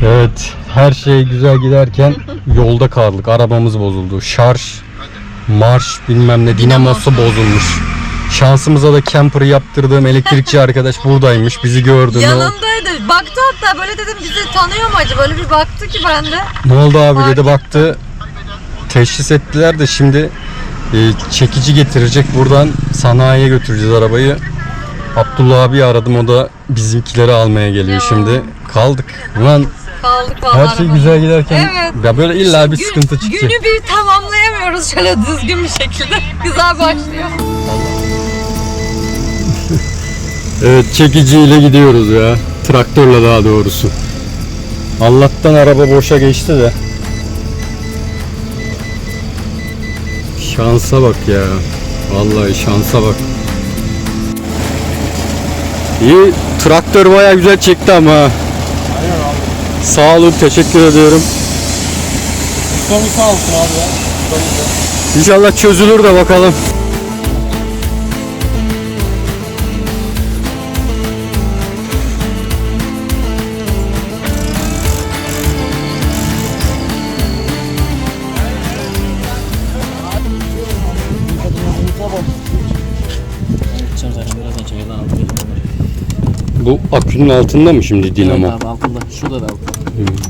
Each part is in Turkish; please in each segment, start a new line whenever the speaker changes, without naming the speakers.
Evet, her şey güzel giderken yolda kaldık. Arabamız bozuldu. Şarj, marş bilmem ne dinamosu bozulmuş. Şansımıza da camper'ı yaptırdığım elektrikçi arkadaş buradaymış. Bizi gördü.
Yanımdaydı. Baktı hatta böyle dedim bizi tanıyor mu acaba? Böyle bir baktı ki ben de.
Ne oldu abi
Fark
dedi, baktı. Teşhis ettiler de şimdi çekici getirecek. Buradan sanayiye götüreceğiz arabayı. Abdullah abi aradım, o da bizimkileri almaya geliyor şimdi. Kaldık. Ulan
Kaldık vallahi.
her şey güzel giderken
Evet.
ya böyle illa bir sıkıntı çıkacak.
Günü bir tamamlayamıyoruz şöyle düzgün bir şekilde. Güzel başlıyor.
Evet, çekiciyle gidiyoruz ya. Traktörle daha doğrusu. Allah'tan araba boşa geçti de. Şansa bak ya. Vallahi şansa bak. İyi, traktör bayağı güzel çekti ama. Aynen abi. Sağ olun, teşekkür ediyorum.
Sonu sağ olsun abi ya.
İnşallah çözülür de bakalım. Bu akünün altında mı şimdi dinamo?
Evet abi, altında. Şurada da altında.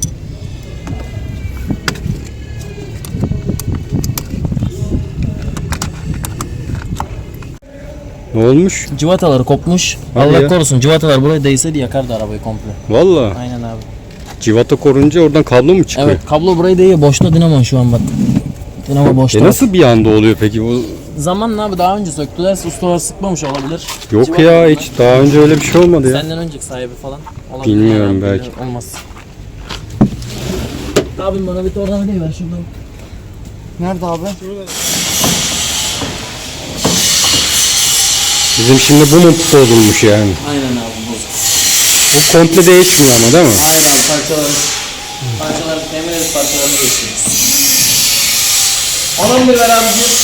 Ne olmuş?
Civataları kopmuş.
Hadi
Allah
ya.
korusun, civatalar buraya değseydi yakardı arabayı komple.
Vallahi.
Aynen abi.
Civata korunca oradan kablo mu çıkıyor?
Evet, kablo buraya değiyor. Boşta dinamo şu an bak. Dinamo boşta.
Nasıl bir anda oluyor peki bu?
Zamanla abi, daha önce söktüler. Ustalar sıkmamış olabilir.
Yok
Civata
ya,
bunlar.
hiç daha önce öyle bir şey olmadı ya.
Senden önceki sahibi falan olabilir.
Bilmiyorum,
Yani,
belki.
olmaz. Abim bana bir tornavida ver şuradan. Nerede abi?
Bizim şimdi bu mu bozulmuş yani?
Aynen abi, bozuk.
Bu komple değişmiyor ama değil mi?
Aynen abi, parçaları temin edip parçalarını değiştiririz. 10-11 ver abiciğim.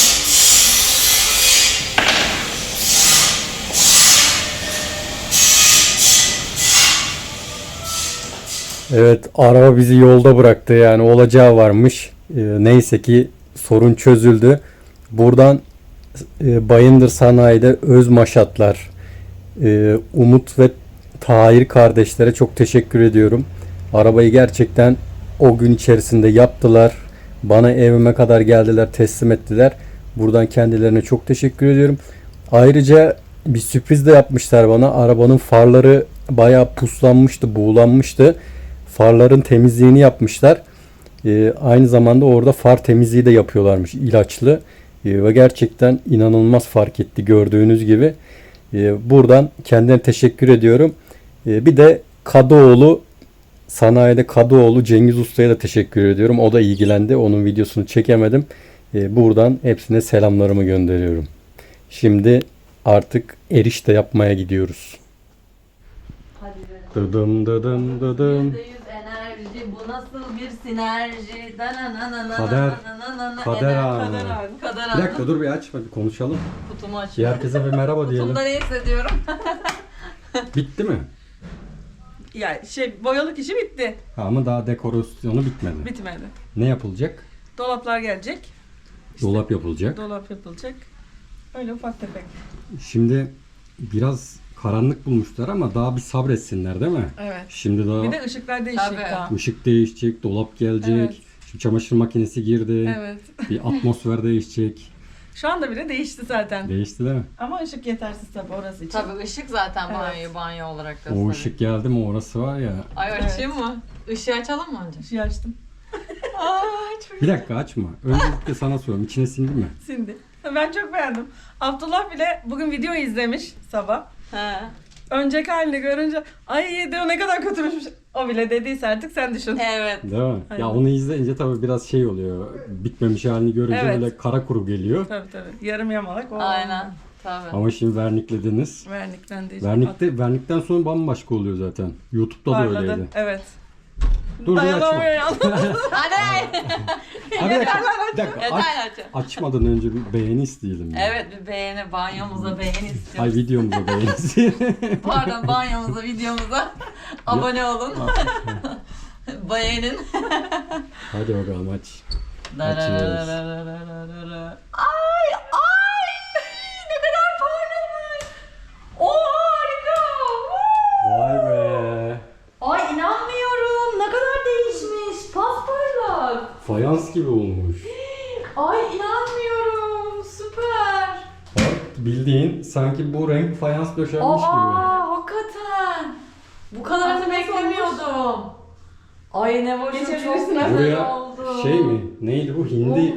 Evet, araba bizi yolda bıraktı, yani olacağı varmış. Neyse ki sorun çözüldü. Buradan Bayındır Sanayi'de Özmaşatlar, Umut ve Tahir kardeşlere çok teşekkür ediyorum. Arabayı gerçekten o gün içerisinde yaptılar. Bana evime kadar geldiler, teslim ettiler. Buradan kendilerine çok teşekkür ediyorum. Ayrıca bir sürpriz de yapmışlar bana. Arabanın farları bayağı puslanmıştı, buğulanmıştı. Farların temizliğini yapmışlar. Aynı zamanda orada far temizliği de yapıyorlarmış, ilaçlı. Ve gerçekten inanılmaz fark etti, gördüğünüz gibi. Buradan kendilerine teşekkür ediyorum. Bir de Kadıoğlu, sanayide Kadıoğlu Cengiz Usta'ya da teşekkür ediyorum. O da ilgilendi. Onun videosunu çekemedim. Buradan hepsine selamlarımı gönderiyorum. Şimdi artık erişte yapmaya gidiyoruz. Dıdım dıdım dıdım.
%100 enerji, bu nasıl bir sinerji?
Kader anı.
Kader
Bir dakika dur, bir aç, hadi konuşalım.
Kutumu
Bir
açıyorum.
herkese bir merhaba diyelim.
Kutumda ne hissediyorum?
Bitti mi?
Ya boyalık işi bitti.
Ama daha dekorasyonu bitmedi.
Bitmedi.
Ne yapılacak?
Dolaplar gelecek.
Dolap yapılacak.
Dolap yapılacak. Öyle ufak tefek.
Şimdi biraz karanlık bulmuşlar ama daha bir sabretsinler değil mi?
Evet.
Şimdi daha
Bir de ışıklar değişecek
Tabii.
daha.
ışık değişecek, dolap gelecek.
Evet.
Şimdi çamaşır makinesi girdi.
Evet.
Bir atmosfer değişecek.
Şu anda bile değişti zaten.
Değişti değil mi?
Ama ışık yetersiz tabii orası için.
Tabii ışık zaten
Evet.
banyo olarak
O
gösteriyor.
ışık geldi mi orası var ya.
Ay
Evet.
açayım mı? Işığı açalım mı önce?
Işığı açtım.
Bir dakika açma. Öncelikle sana soruyorum. İçine sindi mi?
Sindi. Ben çok beğendim. Abdullah bile bugün video izlemiş sabah.
He.
Önceki halini görünce ay diyor ne kadar kötümüş. O bile dediyse artık sen düşün.
Evet.
Değil mi?
Aynen.
Ya onu izleyince tabii biraz şey oluyor. Bitmemiş halini görünce
Evet.
böyle kara kuru geliyor.
Tabii. Yarım yamalak o.
Aynen. Tabii.
Ama şimdi verniklediniz.
Verniklendi.
Vernikten sonra bambaşka oluyor zaten. YouTube'da da
Parladı.
öyleydi.
Evet.
Dur açma.
Dayanamıyor yalnız.
Hadi.
Ha, bir dakika. Bir dakika.
Yeter açın.
Açmadan önce bir beğeni isteyelim. ya.
Evet bir beğeni, banyomuza beğeni
Ay
istiyoruz.
videomuza beğeni isteyelim.
Pardon banyomuza, videomuza abone olun. Bayenin.
Hadi bakalım aç.
Ay ay ne kadar parlamış. O harika.
Vay be.
Ay inanmıyorum. Ne kadar değişmiş. Pasparlak.
Fayans gibi olmuş.
Ay inanmıyorum. Süper.
Bak bildiğin sanki bu renk fayans döşenmiş gibi.
Hakikaten. Bu kadar da beklemiyordum. Ay ne boşum çok
Geçebilirsin.
güzel
Buraya
oldu.
şey mi? Neydi bu? Hindi.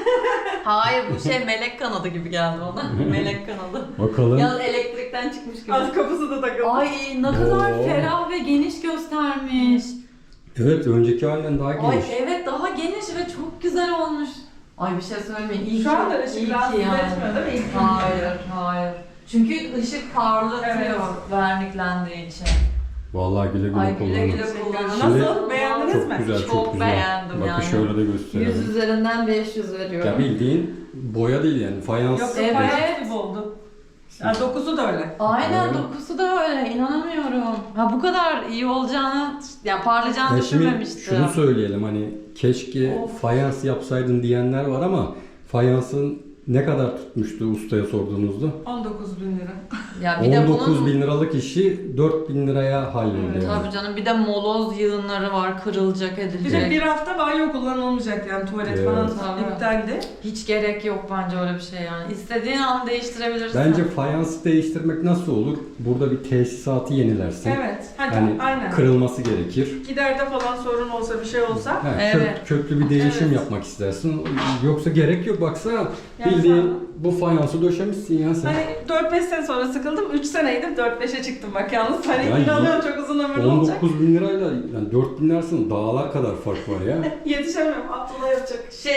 Hayır bu şey melek kanadı gibi geldi bana. Melek kanadı.
Bakalım.
Yalnız elektrikten çıkmış gibi.
Az kapısı da takıldı.
Ay ne kadar
Oo.
ferah ve geniş göstermiş.
Evet önceki halinden daha geniş.
Ay evet daha geniş ve çok güzel olmuş. Ay bir şey söyleyeyim. İyi
Şu
ki,
anda
iyi
ışık
ki
rahatsız
yani.
etmiyor değil mi? İlk
Hayır, hayır. Çünkü ışık parlatıyor
Evet.
verniklendiği için.
Vallahi güle güle
Ay güle güle
kullanın.
kullanın.
Nasıl? Beğendiniz
Çok
mi?
güzel, çok,
Çok
güzel.
beğendim
Bakın
yani.
şöyle de
100
gösterelim.
üzerinden 500 veriyorum.
Ya bildiğin boya değil yani fayans.
Yok
Evet.
fayans gibi oldu. Yani dokusu da öyle.
Aynen
Evet.
dokusu da öyle inanamıyorum. Ha bu kadar iyi olacağını, yani parlayacağını
Ya şimdi
düşünmemiştim.
şunu söyleyelim hani keşke
Of.
fayans yapsaydın diyenler var ama fayansın ne kadar tutmuştu ustaya sorduğunuzda?
19.000 lira.
Ya bir de
19
bunun
bin liralık işi 4 bin liraya halloldu
Evet,
yani.
tabii canım bir de moloz yığınları var, kırılacak,
Bir
edilecek.
de bir hafta banyo kullanılmayacak yani tuvalet
Evet.
falan
Tabii.
iptaldi.
Hiç gerek yok bence öyle bir şey yani. İstediğin an değiştirebilirsin.
Bence fayansı değiştirmek nasıl olur? Burada bir tesisatı yenilersin.
Evet. Hadi
Yani
aynen.
kırılması gerekir.
Giderde falan sorun olsa bir şey olsa.
Ha,
Evet.
köklü bir değişim
Evet.
yapmak istersin. Yoksa gerek yok. Baksana
Yani
bildiğin
sen-
bu fayansı döşemişsin ya sen.
Hani 4-5 sene sonra sıkıldım. 3 seneydim 4-5'e çıktım bak yalnız. Hani
Ya
inanıyorum çok uzun ömürlü olacak.
19 bin lirayla yani 4 bin arasında dağlar kadar fark var ya.
Yetişemiyorum. Abdullah yapacak.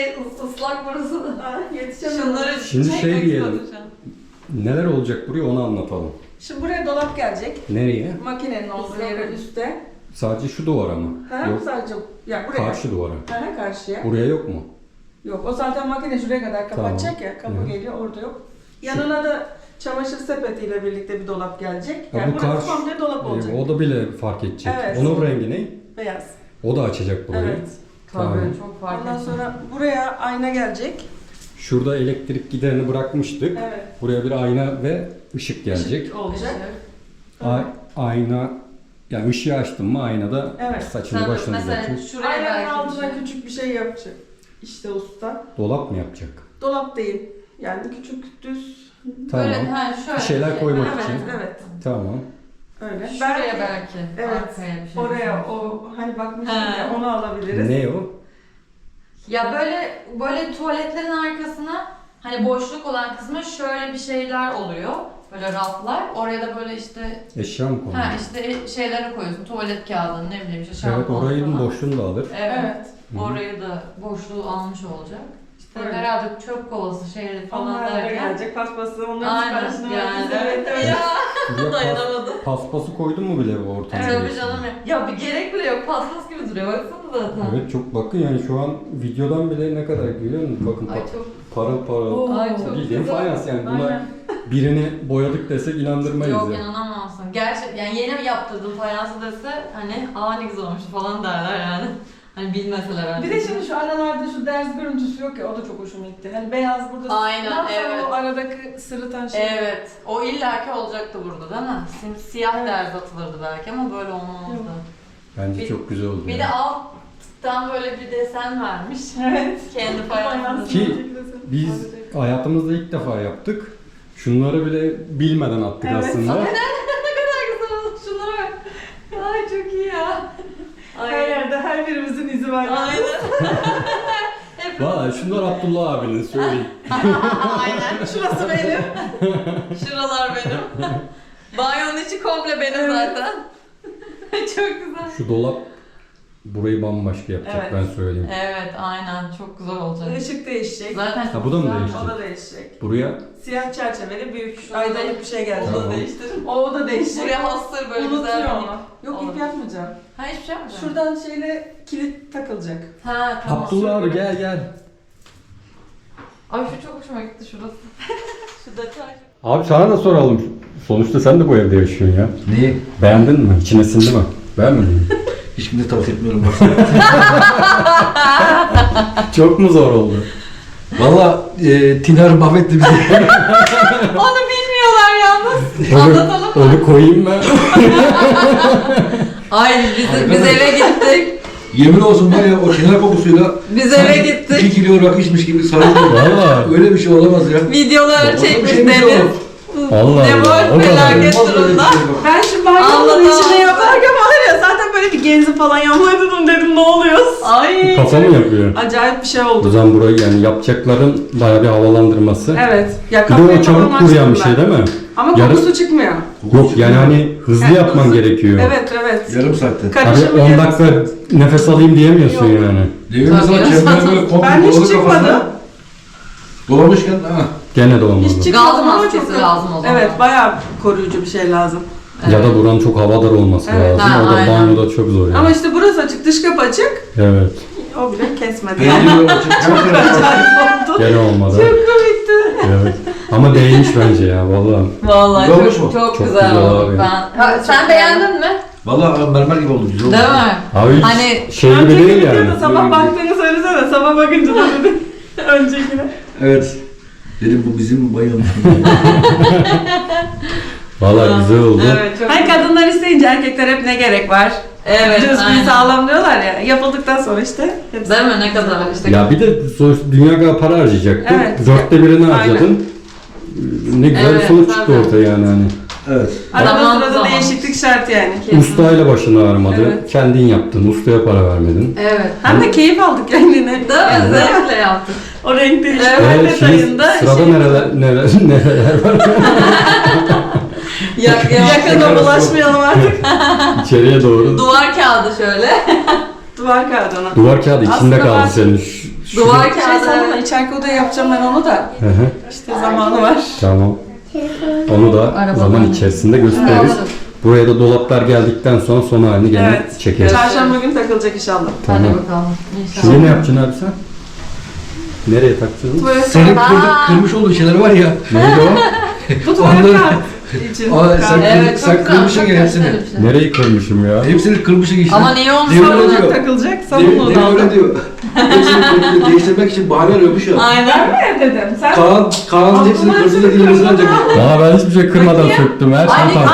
Islak burası da.
Ha, yetişemiyorum.
Şunları
Şimdi şey
çekmek
diyelim.
istedim şu an.
Neler olacak buraya onu anlatalım.
Şimdi buraya dolap gelecek.
Nereye?
Makinenin olduğu yere üstte.
Sadece şu duvara mı?
Ha,
Yok.
sadece ya buraya.
Karşı duvara.
Ha, karşıya.
Buraya yok mu?
Yok o zaten makine şuraya kadar kapatacak ya. Kapı
Hı.
geliyor orada yok. Yanına da çamaşır sepetiyle birlikte bir dolap gelecek.
Ha,
Yani
bu
burası
karşı-
komple dolap olacak.
O da bile fark edecek.
Evet.
Onun rengi ne?
Beyaz.
O da açacak burayı.
Evet.
Tabii
Tamam.
çok fark
Ondan
ettim.
sonra buraya ayna gelecek.
Şurada elektrik giderini bırakmıştık.
Evet.
Buraya bir ayna ve ışık gelecek.
Işık olacak.
Ayna yani ışığı açtın mı aynada
Evet.
saçını
Sen
başını
mesela
düzeltir.
şuraya
Aynanın
belki bir
altına
şey.
küçük bir şey yapacak. İşte usta.
Dolap mı yapacak?
Dolap değil. Yani küçük düz.
Tamam.
Böyle, şöyle
Bir şeyler
şey.
koymak
Evet,
için.
evet.
Tamam.
Öyle.
Şuraya belki.
Evet.
Arkaya bir şey.
Oraya o hani bakmıştım
Ha.
ya onu alabiliriz.
Ne o?
Ya böyle tuvaletlerin arkasına hani boşluk olan kısmı şöyle bir şeyler oluyor. Böyle raflar. Oraya da böyle işte
Eşya mı konuyor?
işte şeyleri koyuyorsun. Tuvalet kağıdını ne bileyim işte
Evet
şampuan
orayın
falan.
boşluğunu da alır.
Evet.
Evet.
Hı.
Orayı da boşluğu almış olacak. İşte
Öyle.
herhalde çöp kovası şeyleri falan
Onlar da
derken.
gelecek paspası. Onların
Aynen
siparişini
yani.
verdik. Evet, evet.
Ya
Buraya
dayanamadım.
paspası koydun mu bile bu ortama?
Tabii canım ya. Ya bir gerek bile yok. Paspas gibi duruyor. Baksana zaten.
Evet çok bakın yani şu an videodan bile ne kadar görüyor musun? Bakın
Ay çok.
parıl parıl.
Ay çok
Bildiğin
güzel.
fayans yani buna
Aynen.
birini boyadık desek inandırmayız
Yok
ya.
inanamazsın. Gerçi yani yeni mi yaptırdım fayansı dese hani ne güzel olmuş falan derler yani. Hani bilmeseler
Bir
önce.
de şimdi şu aralarda şu ders görüntüsü yok ya o da çok hoşuma gitti. Hani beyaz burada.
Aynen,
Nasıl
evet.
o aradaki sırıtan şey.
Evet. O illaki olacaktı burada değil mi? Siyah
Evet.
derz atılırdı belki ama böyle olmazdı.
Bence
Bir-
çok güzel oldu.
Bir
yani.
de alttan böyle bir desen vermiş.
Evet.
Kendi fayansını.
Ki biz hayatımızda ilk defa yaptık. Şunları bile bilmeden attık
Evet.
aslında.
Ne kadar güzel oldu. Şunlara bak. Ay çok iyi ya.
Her yerde her birimizin izi var.
Aynen. Hep
Valla şunlar Abdullah abinin söyleyeyim.
aynen.
Şurası benim.
Şuralar benim. Banyonun içi komple benim
Evet.
zaten. Çok güzel.
Şu dolap burayı bambaşka yapacak
Evet.
ben söyleyeyim.
Evet aynen çok güzel olacak.
Işık değişecek.
Zaten
Ha bu da mı
güzel.
değişecek?
O da değişecek.
Buraya
Siyah çerçeveli büyük
Şunu da-
aydalık bir şey gelecek.
Onu da
Tamam.
değiştirin.
O da değişecek.
Buraya hastır böyle güzel
Unutuyor
bir
onu. Yok
Olur.
ip yapmayacağım.
Ha hiçbir şey yapmayacağım.
Şuradan şeyle kilit takılacak.
Ha tamam.
Abdullah abi gel gel.
Ay şu çok hoşuma gitti şurası. Şu detay.
Abi sana da soralım. Sonuçta sen de bu evde yaşıyorsun ya.
Neyi?
Beğendin mi? İçine sindi mi? Beğenmedin mi?
Hiçbirini tavsiye etmiyorum bak.
Çok mu zor oldu?
Valla Tinar mahvetti bizi.
Onu bilmiyorlar yalnız. Anlatalım mı?
Onu koyayım mı?
Ay biz eve gittik.
Yemin olsun var ya o Tinar kokusuyla
Biz eve gittik.
2 kilo rakı içmiş gibi sarıldı.
Valla.
Öyle bir şey olamaz ya.
Videoları
Olsa bir
çekmiş
şey mi
Deniz.
olur?
Allah
Ne
Allah.
var
O kadar.
felaket
Olmaz öyle bir
durumda.
şey bak.
Ben şimdi banyomun
Anlatamam.
içine yaparken var ya zaten böyle bir genzi falan yapmayı dedim ne oluyor? Ay.
Kafa mı yapıyor?
Acayip bir şey
O
oldu.
zaman burayı yani yapacakların bayağı bir havalandırması.
Evet. Ya
Bir de
kafayı
o çabuk
falan
kuruyan bir
açtım
şey
ben.
değil mi?
Ama
Yarın-
kokusu çıkmıyor.
Yok yani hani hızlı
Evet,
yapman
hızlı.
gerekiyor.
Evet evet.
Yarım saatte.
Hani
Karışımı
10
yarısı.
dakika nefes alayım diyemiyorsun
Yok.
yani.
Devirme zaman
Tabii.
çevrene böyle komple
Ben hiç
doladı
çıkmadım.
kafasına. Dolamışken ha.
Gene de olmadı.
Hiç çıkmadım
Gaz
ama
maskesi
çok-
lazım o zaman.
Evet bayağı koruyucu bir şey lazım.
Ya da buranın çok havadar olması
Evet.
lazım.
Ha,
O da
aynen.
banyoda çok zor yani.
Ama işte burası açık, dış kapı açık.
Evet.
O bile kesmedi.
Pencere açık. Her tarafı açık.
Acayip oldu.
Gene olmadı.
Çok komikti.
Evet. Ama değmiş bence ya vallahi.
Vallahi
Güzel olmuş
çok,
mu?
çok,
Çok
güzel
güzel
oldu.
abi.
Sen beğendin mi?
Valla mermer gibi oldu. Güzel oldu.
Değil mi?
Abi
Hani
şey
Ben
gibi değil
çekilip
yani.
diyordu, sabah baktığını söylesene. Sabah bakınca da dedi. Öncekine.
Evet. Dedim bu bizim bayılmış.
Vallahi güzel oldu.
Evet çok
Hani kadınlar isteyince erkekler hep ne gerek var?
Evet,
Cüzgün
aynen.
sağlam diyorlar ya. Yapıldıktan sonra işte hepsi.
Değil mi? Ne kadar işte.
Ya bir de sonuçta dünya kadar para harcayacaktın.
Evet.
1/4'ünü
Aynen.
harcadın. Ne güzel
Evet,
bir sonuç çıktı
tabii.
ortaya yani hani.
Evet.
Arada
Zaman
sırada
zaman.
değişiklik şart yani.
Kesin.
Ustayla başını ağrımadı.
Evet.
Kendin yaptın. Ustaya para vermedin.
Evet.
Hem de keyif aldık kendine.
Değil mi? Zevkle yaptık.
O renk değiştirme
Evet,
detayında.
Sırada
şey-
nereler var?
Yakına bulaşmayalım artık.
İçeriye doğru.
Duvar kağıdı şöyle.
Duvar kağıdı ona.
Duvar kağıdı içinde
Aslında
kaldı
var.
senin.
Duvar
Şey
kağıdı.
sana içeriki odaya yapacağım ben onu da.
Hı hı.
İşte zamanı var.
Tamam. Onu da
Arabadan.
zaman içerisinde gösteririz.
Alırız.
Buraya da dolaplar geldikten sonra son halini gene
Evet.
çekeriz.
Çarşamba günü takılacak inşallah.
Hadi
Tamam.
bakalım. İnşallah.
Şimdi ne yapacaksın abi sen? Nereye takacaksın?
Tuvalet
Senin
Aa.
kırmış olduğun şeyler var ya.
Neydi o?
Bu tuvalet
Onları-
kağıdı için.
Aa, sen-
Kağıdı.
Evet,
Sen
çok
kırmışsın
çok
ya hepsini.
güzel bir şey.
Nereyi kırmışım ya?
Hepsini kırmışsın işte.
Ama niye onu
Devir
sorun?
diyor.
takılacak.
Devir
Sabun onu aldım.
öyle diyor. Hepsini değiştirmek için bahane arıyormuş ya.
Aynen.
Ben mi dedim? Sen
Kaan'ın hepsini
Abdullah
kırdı da
hepsini
dilimizin
kırdı.
ancak.
Valla ben hiçbir şey kırmadan söktüm. Her şey tam.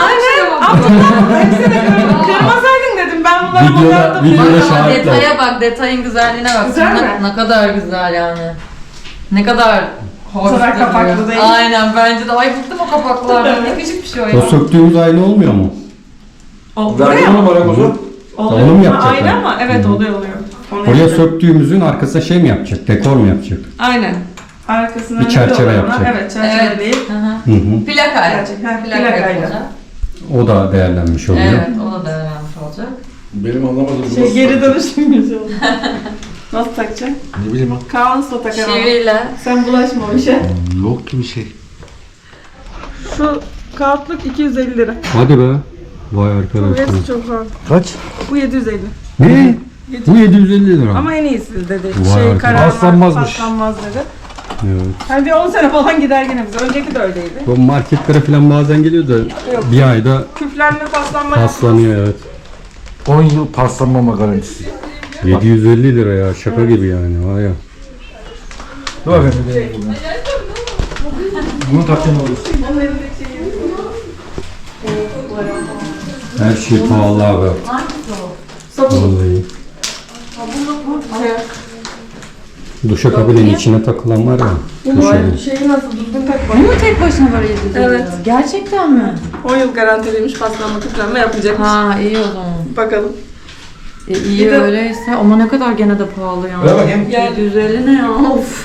kırmasaydın dedim. Ben bunları
Videoda-
boyadım.
videoda-
Bak ama
şahitler.
detaya bak, detayın güzelliğine bak.
Güzel mi?
Ne kadar güzel yani. Ne kadar hoş
Sonra
duruyor.
kapaklı değil.
Aynen bence de. Ay bıktım o kapaklardan. Ne küçük bir şey o ya.
O söktüğümüz aynı olmuyor mu?
O,
Verdi
buraya
onu
mı?
bana bozu.
Oluyor.
Onu mu
Ha,
yapacaklar?
Aynı ama evet
Hı.
oluyor. Onu
Oraya
yapacak.
söktüğümüzün arkasına şey mi yapacak? Dekor mu yapacak?
Aynen. Arkasına
Bir
ne
çerçeve
diyorlar ona?
yapacak.
Evet çerçeve
Evet.
değil.
Hı hı.
Hı hı.
Plakayla.
Gerçek, ha,
Plaka
plakayla.
yapılacak.
O da değerlenmiş oluyor.
Evet, o da değerlenmiş olacak.
Benim anlamadığım
Şey geri dönüşüm güzel oldu. Nasıl takacaksın?
Ne bileyim
Kaan Usta takar ama.
Çiviyle.
Sen bulaşma o işe.
Yok ki bir şey.
Şu kağıtlık 250 lira.
Hadi be. Vay arkadaşlar.
Burası çok zor.
Kaç?
Bu 750.
Ne? Bu 750 lira.
Ama en iyisi dedi.
Vay arkadaş.
kararmaz,
Paslanmazmış.
paslanmaz dedi.
Evet.
Hani bir 10 sene falan gider yine bize. Önceki de öyleydi.
Bu marketlere falan bazen geliyor da bir ayda
Küflenme, paslanma
paslanıyor evet.
10 yıl paslanmama garantisi.
750 lira ya şaka gibi yani vay ya.
Dur bakayım bir deneyim bunu. Bunu takacağım olur.
Her şey pahalı abi. Vallahi. Duşakabinin içine takılan var ya. Köşeli.
Şeyi nasıl düzgün takma.
Bu mu tek başına böyle 750
Evet.
lira? Gerçekten mi?
10 yıl garantiliymiş paslanma, küflenme yapacak.
Ha iyi o zaman.
Bakalım.
İyi
Bir de-
öyleyse ama ne kadar gene de pahalı ya.
Ver bakayım.
750 ne ya? Of.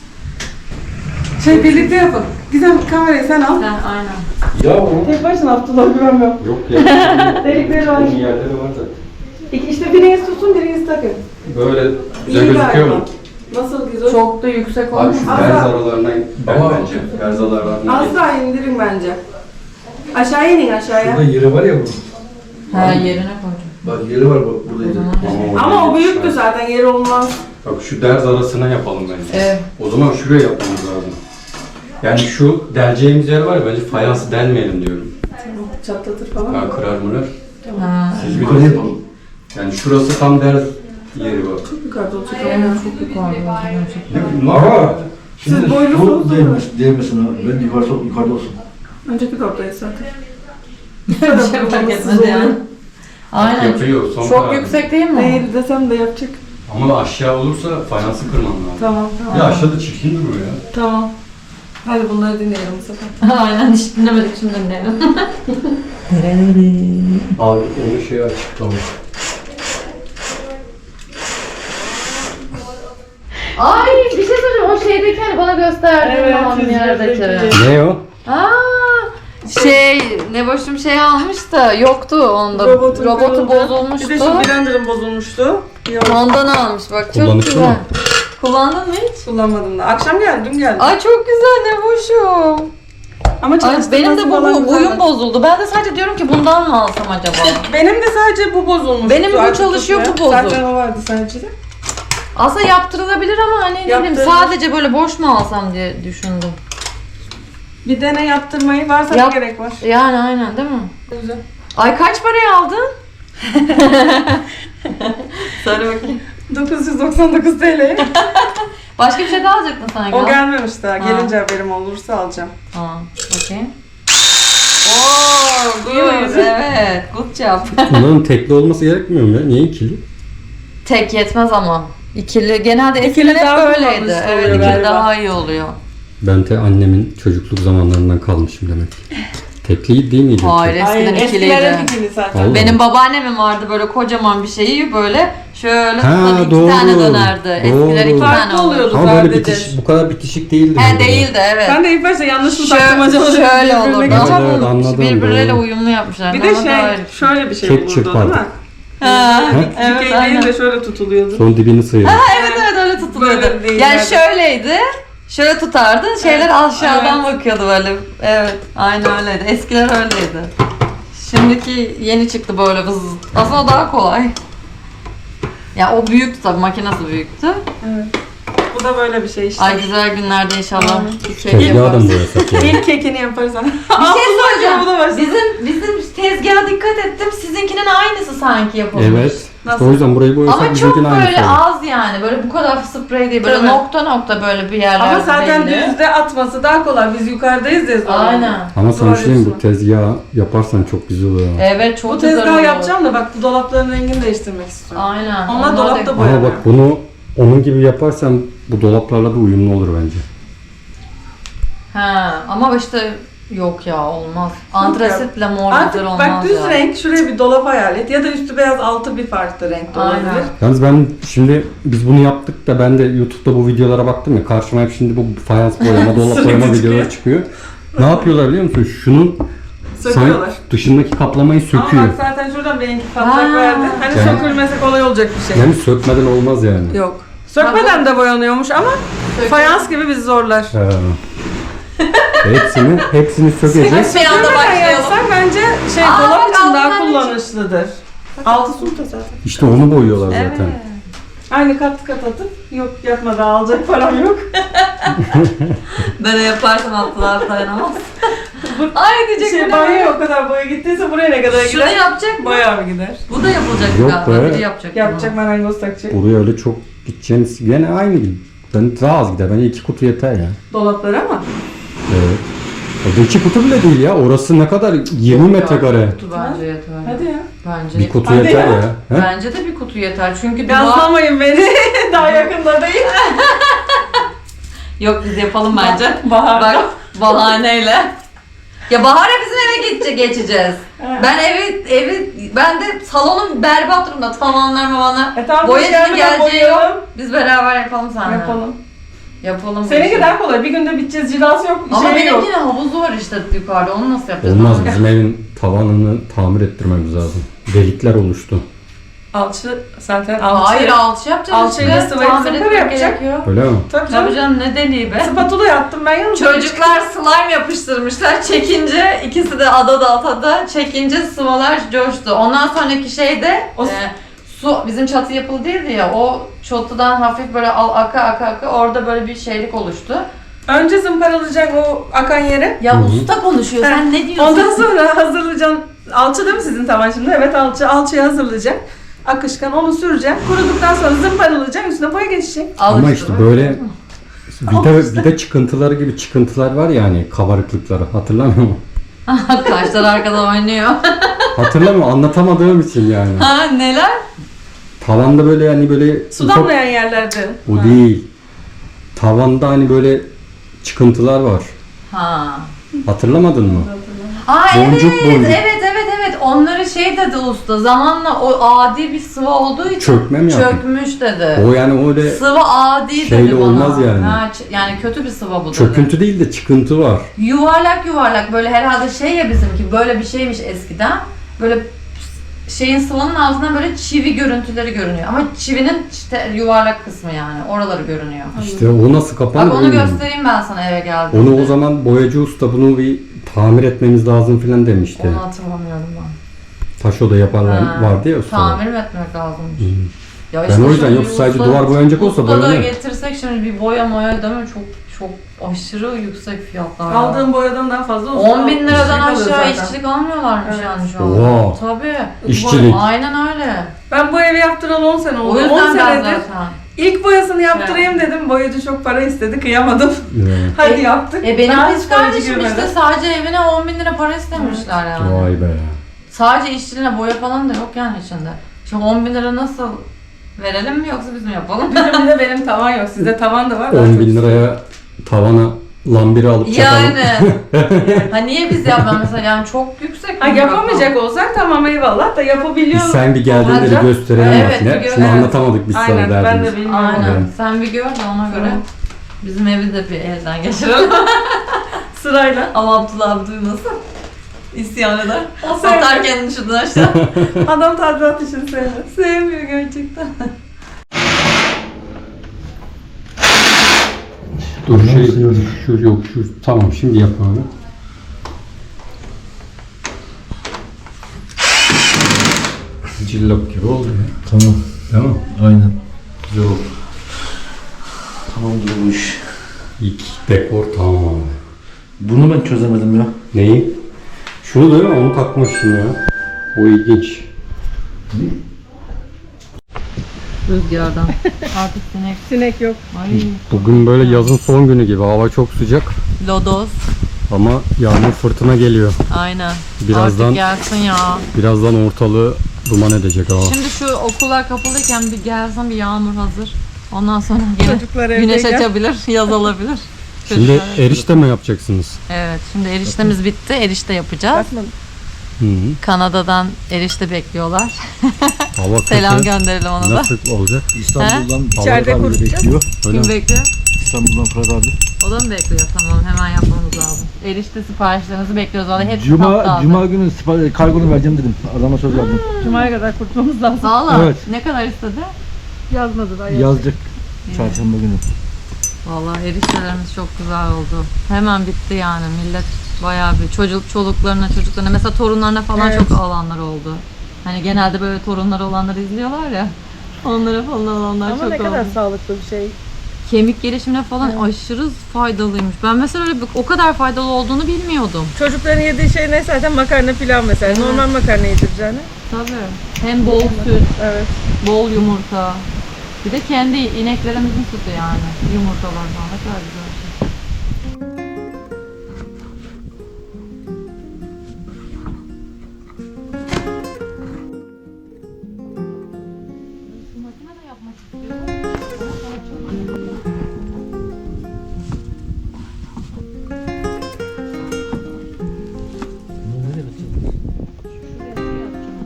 Şey birlikte yapalım. Gizem kamerayı sen al.
Ha, aynen.
Ya o.
Tek başına Abdullah güvenmiyorum.
Yok ya.
Delikleri var.
Yerleri var da.
İşte biriniz tutsun, biriniz takın.
Böyle
İyi
güzel gözüküyor
galiba.
mu?
Nasıl güzel?
Çok da yüksek
Abi
olmuş.
şu
Asla.
berz aralarına
Ama-
bence. Berz aralarına.
Az daha indirin bence. Aşağıya inin aşağıya.
Burada yeri var ya bunun.
Ha yerine koydum.
Bak yeri var bak burada yeri.
Ama o büyüktü zaten, yer olmaz.
Bak şu derz arasına yapalım bence.
Evet.
O zaman şuraya yapmamız lazım. Yani şu deleceğimiz yer var ya bence fayansı delmeyelim diyorum.
Çatlatır falan.
Ha kırar mırar.
Ha.
Siz
Yukarı yapalım.
Yani şurası tam ders yeri bak.
Çok yukarıda olacak ama.
Evet, çok yukarıda.
Ama şimdi
Siz boylusunuz
bu
değil mi?
değmesin ha. Ben yukarıda olsun.
Önceki kaptayız zaten.
Bir şey fark etmedi yani. Aynen.
Yapıyor son
Çok
karar.
yüksek değil mi?
Değil desem de yapacak.
Ama aşağı olursa fayansı kırman lazım.
Tamam tamam.
Ya aşağıda çirkin duruyor ya.
Tamam. Hadi bunları dinleyelim bu sefer.
Aynen, hiç dinlemedik, şimdi dinleyelim.
Abi onu şey açıklamış.
Ay, bir şey söyleyeceğim. O şeydeki hani bana gösterdiğin
Evet,
babamın yerdeki.
yüzündeki.
Ne o?
Ne boşum şey almış da yoktu onda.
Robotu
Robotu
kırıldı.
bozulmuştu.
Bir de şu blenderım bozulmuştu. Yok,
Ondan almış bak, çok
Kullanışlı
güzel.
mı?
Kullandın mı hiç?
kullanmadım da. Akşam geldi, dün geldi.
Ay çok güzel, ne boşum.
Ama
Ay
çalıştırması
benim de
falan
bu uyum
güzeldi.
bozuldu. Ben de sadece diyorum ki bundan mı alsam acaba?
Benim de sadece bu bozulmuş.
Benim bu çalışıyor, bu bozuk.
Zaten o vardı sadece de.
Aslında yaptırılabilir ama hani ne bileyim,
Yaptırılır.
sadece böyle boş mu alsam diye düşündüm.
Bir dene yaptırmayı varsa
Yap.
ne gerek var?
Yani aynen, değil mi?
Güzel.
Ay kaç paraya aldın? Söyle bakayım.
999 TL.
Başka bir şey daha alacaktın sanki.
O gelmemiş daha.
Ha.
Gelince haberim olursa alacağım.
Tamam, bakayım. Oo, good. Evet, good job.
Bunların tekli olması gerekmiyor mu ya? Niye ikili?
Tek yetmez ama. İkili, genelde
İkili
eskiden hep
daha
böyleydi.
kullanışlı
Evet,
oluyor
ikili
galiba.
daha iyi oluyor.
Ben de annemin çocukluk zamanlarından kalmışım demek ki. Tekli değil miydi?
Hayır, eskiden
Eskiler
ikiliydi.
hep ikili zaten.
Allah.
Benim babaannemin vardı böyle kocaman bir şeyi, böyle şöyle
Ha,
tutan iki
doğru.
tane dönerdi. Eskiler iki
Doğru.
tane
Farklı oluyordu
Ama böyle
sadece.
bu kadar bitişik değildi.
He
böyle.
değildi, evet.
Ben de ilk başta yanlış mı taktım acaba?
Şöyle
Birbirine
olurdu
geçiyor.
ama
Evet, anladım,
birbirleriyle
doğru.
uyumlu yapmışlar.
Bir de
Ama daha iyi.
şöyle bir şey
Tek
olurdu değil
çırpardık.
mi?
Ha,
He?
evet,
Dikey değil
aynen.
de şöyle tutuluyordu.
Son dibini sıyırdı.
Evet evet, öyle tutuluyordu.
Böyle değil
Yani
yani.
şöyleydi. Şöyle tutardın, şeyler aşağıdan bakıyordu böyle. Evet, aynen öyleydi. Eskiler öyleydi. Şimdiki yeni çıktı böyle vız. Aslında o daha kolay. Ya o büyüktü tabii, makinesi büyüktü.
Evet. Bu da böyle bir şey işte.
Ay güzel günlerde inşallah.
Aynen.
bir kek
Tezgahı da
yaparız.
mı boyasak ya?
İlk kekini yaparız ama.
Bir şey
Bu da başladı.
söyleyeceğim. Bizim tezgaha dikkat ettim. Sizinkinin aynısı sanki yapılmış.
Evet. İşte
Nasıl?
o yüzden burayı boyasak
Ama çok
bizimkinin aynısı
böyle
olur.
az yani. Böyle bu kadar sprey değil. Böyle
Tabii.
nokta nokta böyle bir yerlerde
Ama zaten
belli.
düzde atması daha kolay. Biz yukarıdayız ya zorunda.
Aynen.
Ama sana
Doğru
şey diyeyim, bu
diyorsun.
tezgahı yaparsan çok güzel olur. ama.
Evet, çok
Bu
güzel
tezgahı
oluyor.
yapacağım da bak bu dolapların rengini değiştirmek istiyorum.
Aynen.
Onlar dolapta
da-
Ama
boyanıyor.
bak bunu onun gibi yaparsan bu dolaplarla da uyumlu olur bence.
Ha, ama işte yok ya, olmaz. Antrasitle mor güzel
Artık
olmaz
bak düz
ya.
renk şuraya bir dolap hayal et ya da üstü beyaz altı bir farklı renk de olabilir.
Aynen.
Yalnız ben şimdi biz bunu yaptık da ben de YouTube'da bu videolara baktım ya, karşıma hep şimdi bu fayans boyama, dolap
Sürekli
boyama
çıkıyor.
videoları çıkıyor. Ne yapıyorlar biliyor musun? Şunun
Söküyorlar.
dışındaki kaplamayı söküyor.
Ama bak zaten şuradan benimki patlak
Ha.
verdi. Hani
Yani-
sökülmese kolay olacak bir şey.
Yani sökmeden olmaz yani.
Yok. Sökmeden de boyanıyormuş ama fayans gibi bizi zorlar.
Ha. hepsini sökeceğiz.
Bir anda
Sökmeden
başlayalım.
yapsak bence şey
Aa,
dolap
bak,
için daha
altından
kullanışlıdır. Altı sulta zaten.
İşte onu boyuyorlar zaten.
Aynı kat kat atıp yok yapmadan alacak param yok.
Böyle yaparsan altlar dayanamaz. Ay diyecek
Şey
bu ne?
banyoya o kadar boya gittiyse buraya ne kadar
Şunu
gider?
yapacak mı?
Bayağı bir gider.
Bu da yapılacak
Yok
galiba.
be.
Biri yapacak.
Yapacak marangoz takacak.
Buraya öyle çok gideceğiniz gene aynı gibi. Ben daha az gider. Bence 2 kutu yeter ya.
Dolaplar ama.
Evet. O da 2 kutu bile değil ya. Orası ne kadar? 20 metrekare.
Kutu bence yeter.
Hadi ya.
Bence
Bir kutu
Hadi
yeter
ya.
ya. He?
Bence de bir kutu yeter. Çünkü duvar...
Gazlamayın beni. Daha yakında değil.
Yok, biz yapalım bence.
Bahar.
Bak, bahaneyle. Ya Bahar'a bizim eve geçeceğiz. Ben ben de salonum berbat durumda. Tavanlar.
Tamam,
Boyacı
gelmeden
geleceği yok.
boyayalım.
Biz beraber yapalım seninle.
Yapalım.
Yapalım. bu
Seninki
işi.
daha kolay. Bir günde biteceğiz. Cilası yok.
Ama
şey
benim
yok.
yine havuzu var işte yukarıda. Onu nasıl yapacağız?
Olmaz.
Ama-
Bizim evin tavanını tamir ettirmemiz lazım. Delikler oluştu.
Alçı zaten alçı.
Hayır, alçı yapacağız
Alçıyla
işte.
sıvayı
Tamir
zımpara
etmek
yapacak.
gerekiyor.
Öyle mi?
Tabii
Tabii
canım.
canım, ne deliği be.
Spatula yaptım ben yalnız.
Çocuklar slime yapıştırmışlar. Çekince ikisi de adada çekince sıvalar coştu. Ondan sonraki şeyde
O-
su bizim çatı yapılı değildi ya. O çatıdan hafif böyle aka orada böyle bir şeylik oluştu.
Önce zımparalayacak o akan yere.
Ya
Hı hı.
usta konuşuyor. Sen ne diyorsun?
Ondan sonra hazırlayacaksın. Alçı değil mi sizin tavan şimdi? Evet alçı. Alçıyı hazırlayacak. Akışkan onu süreceksin. Kuruduktan sonra zımparalayacaksın. Üstüne boya geçecek.
Ama işte böyle vida çıkıntıları gibi çıkıntılar var ya hani kabarıklıkları. Hatırlamıyor musun?
Kaşlar arkada oynuyor.
Hatırlamıyor anlatamadığım için yani.
Ha neler?
Tavanda böyle yani böyle
Su damlayan yerlerde.
o değil. Tavanda hani böyle çıkıntılar var.
Ha.
Hatırlamadın mı?
Aa
Boncuk
evet,
boncuk.
evet. Onları şey dedi usta. Zamanla o adi bir sıvı olduğu için
Çökme mi yaptı?
çökmüş dedi.
O yani öyle
Sıvı adi
şeyle
dedi bana.
olmaz yani.
Ha, yani kötü bir sıvı bu dedi.
çöküntü değil de çıkıntı var.
Yuvarlak böyle herhalde şey ya bizimki böyle bir şeymiş eskiden. Böyle şeyin sıvının altından böyle çivi görüntüleri görünüyor. Ama çivinin işte yuvarlak kısmı yani. Oraları görünüyor.
İşte o nasıl kapanır
Bak onu
bilmiyorum.
göstereyim ben sana eve geldiğimde.
Onu o zaman boyacı usta bunu bir tamir etmemiz lazım filan demişti.
Onu hatırlamıyorum ben.
Taş oda yaparlar
Ha,
vardı ya usta.
Tamir mi etmek lazımmış?
Hı.
Ya
Ben o yüzden
şimdi
yoksa
bir
sadece
usta-
duvar boyanacak olsa
usta da
boyanır.
getirsek şimdi bir boya değil mi? Çok aşırı yüksek fiyatlar. ya.
Aldığın boyadan daha fazla
10 bin liradan
işçilik alıyor
aşağı
zaten.
işçilik almıyorlarmış
Evet.
yani şu an.
Oha.
Tabii.
İşçilik.
Aynen öyle.
Ben bu evi yaptıralı 10 sene oldu.
O
10
yüzden ben
senedir
zaten.
ilk boyasını yaptırayım dedim. Boyacı çok para istedi. Kıyamadım.
Evet.
Hadi yaptık.
Benim
Daha
kız
hiç boyacı
kardeşim işte
girmedi.
sadece evine 10 bin lira para istemişler yani.
Vay be.
Sadece işçiliğine boya falan da yok yani içinde. Şimdi 10 bin lira nasıl verelim mi yoksa biz mi yapalım?
Bizim bir de benim tavan yok. Sizde tavan da var.
10 bin liraya tavana lambiri alıp çakalım.
Yani. Ha niye biz yapmam mesela yani çok yüksek
Ha
bir
yapamayacak olsak tamam eyvallah da yapabiliyor.
Biz sen bir geldiğinde de
Olacak.
gösterelim
Evet,
makine.
bir gör-
Şunu
evet.
anlatamadık biz sana
Aynen ben
derdimiz.
de bilmiyorum.
Aynen.
Evet.
Sen bir gör de ona göre
Tamam.
bizim evi de bir elden geçirelim.
Sırayla.
Ama Abdullah abi duymasın. İsyan eder.
O sevmiyor.
Atar kendini şuradan aşağı.
Adam tadilat işini sevmez.
Sevmiyor gerçekten.
Dur şu yok şu tamam şimdi yapalım. Cillop gibi oldu ya.
Tamam.
Değil mi?
Aynen.
Güzel oldu.
Tamam durmuş.
İlk dekor tamam abi.
Bunu ben çözemedim ya.
Neyi? Şunu değil mi? Onu takmışsın ya. O ilginç.
Rüzgardan. Artık sinek.
Sinek yok.
Ay.
Bugün böyle yazın son günü gibi. Hava çok sıcak
Lodos.
ama yağmur fırtına geliyor.
Aynen.
Birazdan-
Artık gelsin ya.
Birazdan ortalığı duman edecek hava.
Şimdi şu okullar kapalıyken bir gelsin bir yağmur hazır. Ondan sonra yine
Çocuklar
güneş
evdeyken.
açabilir, yaz olabilir.
Şimdi
Çocuklar-
erişte mi yapacaksınız?
Evet, şimdi eriştemiz bitti. Erişte yapacağız.
Hı -hı.
Kanada'dan erişte bekliyorlar.
Hava kötü.
Selam gönderelim ona da.
Nasıl olacak?
İstanbul'dan
İçeride
Fırat abi
kurutacağız.
bekliyor.
Öyle
Kim
mi?
bekliyor?
İstanbul'dan Fırat abi.
O da mı bekliyor? Tamam, hemen yapmamız lazım. Erişte siparişlerinizi bekliyoruz. Vallahi hepsi tatlı
Cuma günü kargonu vereceğim dedim. Adama söz verdim.
Cuma'ya kadar kurtulmamız lazım.
Valla
Evet.
ne kadar istedi?
Yazmadı daha
Yazacak. Çarşamba günü.
Vallahi eriştelerimiz çok güzel oldu. Hemen bitti yani millet bayağı bir çocuklarına mesela torunlarına falan
Evet.
çok alanlar oldu. Hani genelde böyle torunları olanları izliyorlar ya. Onlara falan alanlar
Ama
çok
ne kadar
oldu.
sağlıklı bir şey.
Kemik gelişimine falan aşırı faydalıymış. Ben mesela öyle o kadar faydalı olduğunu bilmiyordum.
Çocukların yediği şey ne zaten makarna pilav mesela.
Evet.
Normal makarna yedireceğini.
Tabii. Hem bol süt,
Evet.
bol yumurta. Bir de kendi ineklerimizin sütü yani. Yumurtalar falan ne kadar güzel. Şu makine de yapmak istiyorum. Ama sonra çok- Şuraya şey yapacağım.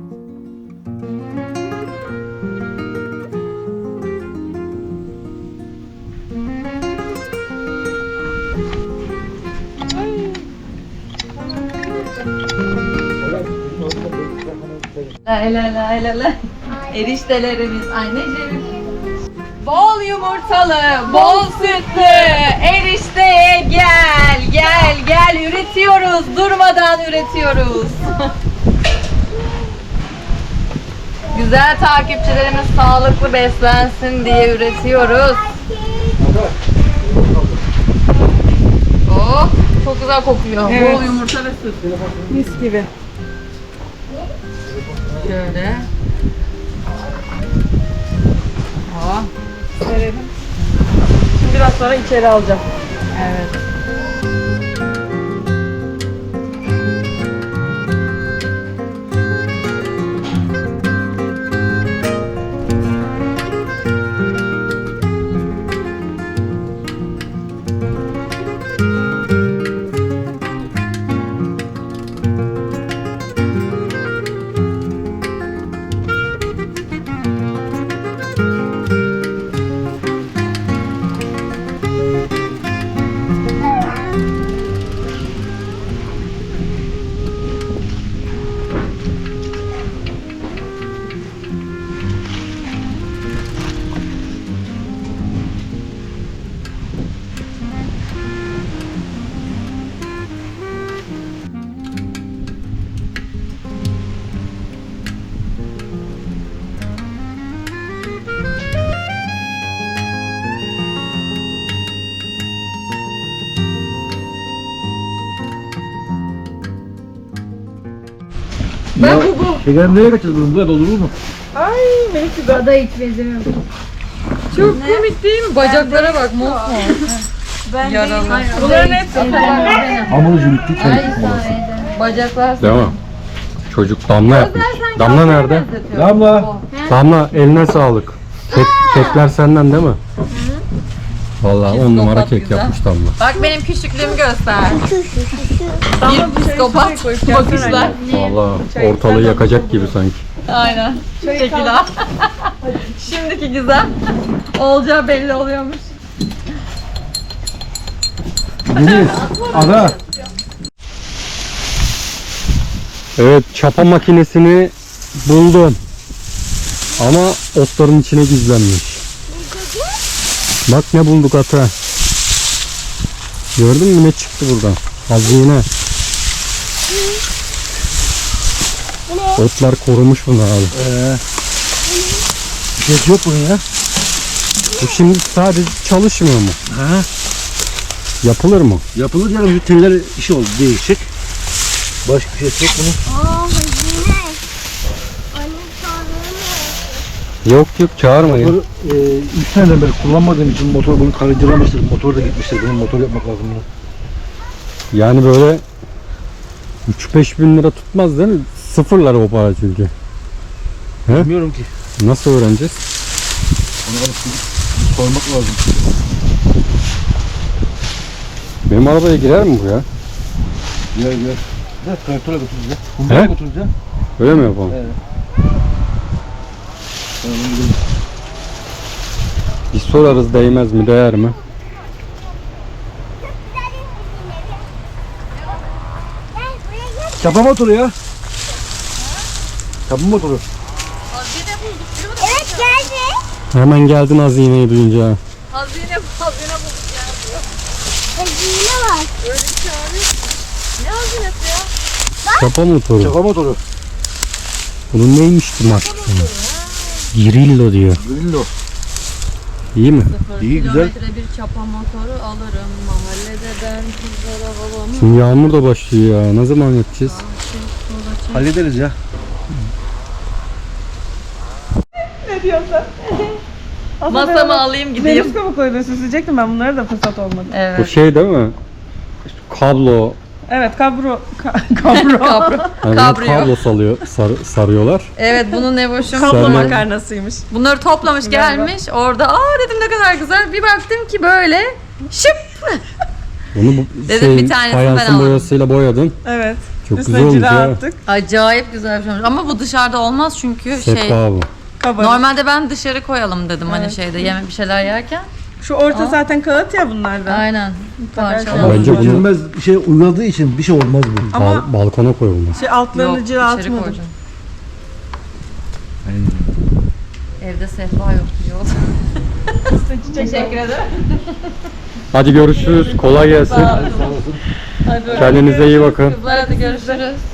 La. Eriştelerimiz anneciğim. Bol yumurtalı, bol sütlü erişteye gel üretiyoruz. Durmadan üretiyoruz. Güzel takipçilerimiz sağlıklı beslensin diye üretiyoruz. Oh, çok güzel kokuyor.
Evet.
Bol yumurta ve süt.
Mis gibi.
Şöyle.
biraz sonra içeri alacağım.
Evet.
Şeker nereye kaçacağız bunu? Buraya doldurur mu?
Ay Melih güzel.
Da hiç benzemiyor.
Çok komik değil mi? Bacaklara bak mosmor. Yaralı.
Bunların hepsi.
Hamur ucu bitti.
Bacaklar.
Değil mi? Çocuk Damla yapmış. Damla nerede?
Damla.
Damla eline sağlık. Kekler senden değil mi? Vallahi 10 numara
Psikopat
kek
güzel.
yapmış Damla.
Bak benim küçüklüğümü göster.
Damla
Bir psikopat bakışlar.
Vallahi ortalığı yakacak gibi sanki.
Aynen. Şekil al. Şimdiki güzel. Olacağı belli oluyormuş.
Deniz. Ara.
Evet, çapa makinesini buldum. Ama otların içine gizlenmiş. Bak ne bulduk ata. Gördün mü ne çıktı buradan? Hazine. Otlar korumuş bunu abi.
Bir şey yok bunun ya.
Bu şimdi sadece çalışmıyor mu?
Ha.
Yapılır mı?
Yapılır yani şu teller işi oldu değişik. Başka bir şey yok bunun.
Yok çağırmayın.
Motor, 3 seneden beri kullanmadığım için motor bunu karıncalamıştır. Motor da gitmiştir. Bunun motor yapmak lazım bunu.
Yani böyle 3-5 bin lira tutmaz değil mi? Sıfırlar o para çünkü. He?
Bilmiyorum ki.
Nasıl öğreneceğiz?
Onu alıp gidip sormak lazım.
Benim arabaya girer mi bu ya?
Gel. Evet, traktöre götürürüz ya.
He?
Kumlara götürürüz ya.
Öyle mi yapalım?
Evet. Tamam, gidelim.
Bir sorarız değmez mi değer mi?
Çapa motoru ya. Çapa motoru.
Evet geldi.
Hemen geldin hazineyi duyunca.
Hazine bulduk ya.
Hazine var.
Ne hazinesi ya?
Çapa motoru.
Çapa motoru.
Bunun neymişti markası? Girillo diyor.
Grillo.
İyi mi?
İyi, güzel.
Kilometre bir çapa motoru alırım. Mahallede ben kızlara babamı.
Şimdi yağmur da başlıyor ya. Ne zaman yapacağız?
Hallederiz ya.
Ne diyorsun?
Masamı alayım gideyim.
Deniz kabuğu koydun, süsleyecektim ben, bunlara da fırsat olmadı.
Bu
Evet.
şey değil mi? Kablo.
Evet, kabro.
Kabrio.
Yani
Kabrio.
kablo sarıyorlar.
Evet bunu ne boşum.
Kablo
Sen-
makarnasıymış.
Bunları toplamış gelmiş. Orada dedim ne kadar güzel. Bir baktım ki böyle şıp.
Bunu bu
Dedim bir tanesini ben
fayansın
alayım.
boyasıyla boyadın.
Evet.
Çok
Üstüne
güzel olmuş
cila
ya.
attık.
Acayip güzel bir şey olmuş. Ama bu dışarıda olmaz çünkü
Sehpa bu.
Kabarık.
Normalde ben dışarı koyalım dedim hani
Evet.
şeyde yemek bir şeyler yerken.
Şu orta zaten kağıt ya bunlardan.
Aynen.
Mutlaka
Parçalar.
Bence bunu-
Geçilmez bir şey uyguladığı için bir şey olmaz bu.
Ama-
Balkona koyulmaz.
Şey altlarını
Yok
cila
içeri
atmadım.
koyacağım. Evde sehpa yok diyor. Teşekkür ederim.
Hadi görüşürüz. Kolay gelsin.
Hadi
Kendinize iyi bakın.
Kızlar hadi görüşürüz.